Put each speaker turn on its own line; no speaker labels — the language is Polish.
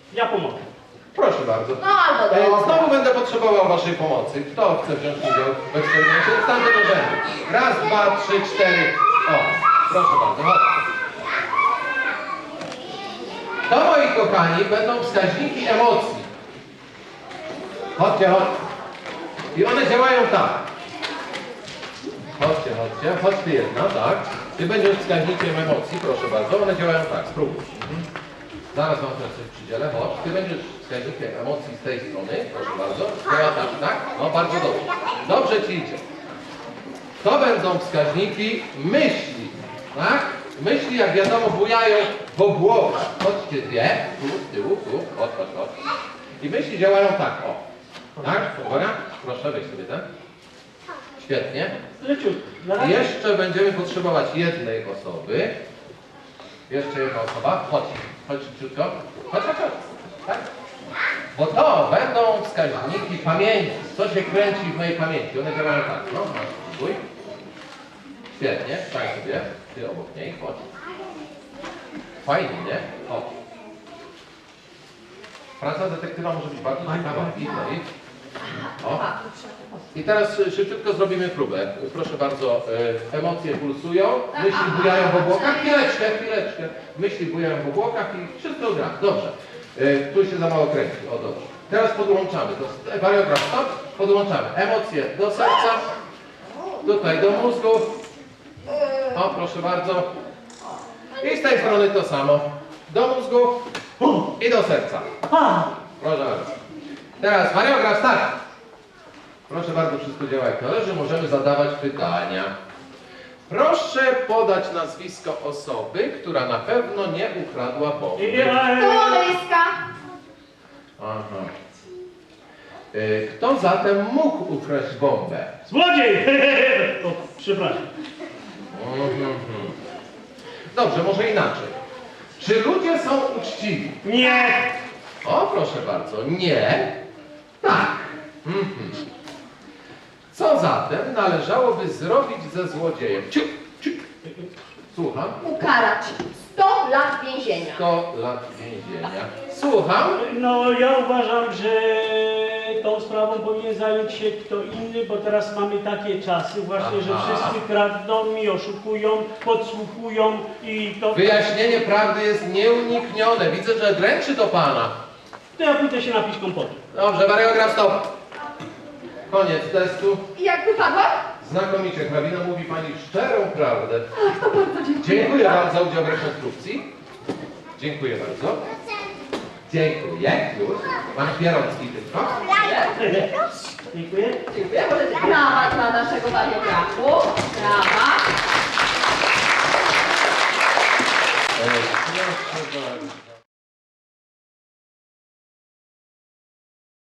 Ja pomogę.
Proszę bardzo.
No albo dobra.
Znowu będę potrzebował waszej pomocy. Kto chce wziąć udział w eksperymencie? Stanę do rzędu. Raz, dwa, trzy, cztery. O, proszę bardzo, chodźcie. To, moi kochani, będą wskaźniki emocji. Chodźcie, chodźcie. I one działają tak. Chodźcie, chodźcie. Chodź ty jedna, tak. Ty będziesz wskaźnikiem emocji, proszę bardzo. One działają tak, spróbuj. Zaraz wam teraz coś przydzielę, chodź. Ty będziesz wskaźnikiem emocji z tej strony, proszę bardzo. Działa tak, tak? No bardzo dobrze. Dobrze ci idzie. To będą wskaźniki myśli, tak? Myśli, jak wiadomo, bujają po głowie. Chodźcie dwie, tu, z tyłu, tu, chodź, chodź, chodź. I myśli działają tak, o. Tak? Uwaga, proszę, weź sobie ten. Świetnie.
Leciutko.
I jeszcze będziemy potrzebować jednej osoby. Jeszcze jedna osoba. Chodź, chodź szybciutko. Chodź, chodź, chodź. Tak? Bo to będą wskaźniki pamięci. Co się kręci w mojej pamięci. One działają tak. No, masz, spróbuj. Świetnie, stań sobie. Ty obok niej, chodź. Fajnie, nie? Chodź. Praca detektywa może być bardzo ciekawa. Idź. O. I teraz szybciutko zrobimy próbę. Proszę bardzo, emocje pulsują, myśli bujają w obłokach. Chwileczkę. Myśli bujają w obłokach i wszystko gra. Dobrze. Tu się za mało kręci. O, dobrze. Teraz podłączamy. Wariograf, stop. Podłączamy emocje do serca. Tutaj do mózgu. O, proszę bardzo. I z tej strony to samo. Do mózgu i do serca. Proszę bardzo. Teraz wariograf, start. Proszę bardzo, wszystko działa jak należy. Możemy zadawać pytania. Proszę podać nazwisko osoby, która na pewno nie ukradła bomby.
Komunistka.
Aha. Kto zatem mógł ukraść bombę?
Złodziej! O, przepraszam.
Dobrze, może inaczej. Czy ludzie są uczciwi?
Nie!
O, proszę bardzo. Nie. Tak. Co zatem należałoby zrobić ze złodziejem? Słucham.
Ukarać. 100 lat więzienia.
100 lat więzienia. Słucham.
No ja uważam, że tą sprawą powinien zająć się kto inny, bo teraz mamy takie czasy właśnie, że
Aha.
wszyscy kradną i oszukują, podsłuchują i to...
Wyjaśnienie prawdy jest nieuniknione. Widzę, że dręczy to pana.
To ja pójdę się napić kompotu.
Dobrze, wariograf, stop. Koniec testu.
I jak wypadłam?
Znakomicie, hrabina mówi pani szczerą prawdę.
Ach, to bardzo dziękuję.
Dziękuję wam za udział w rekonstrukcji. Dziękuję bardzo. Dziękuję. Już. Pan Pierocki tylko.
Dziękuję.
Dziękuję. Brawa dla naszego wariografu. Brawa.
Proszę bardzo.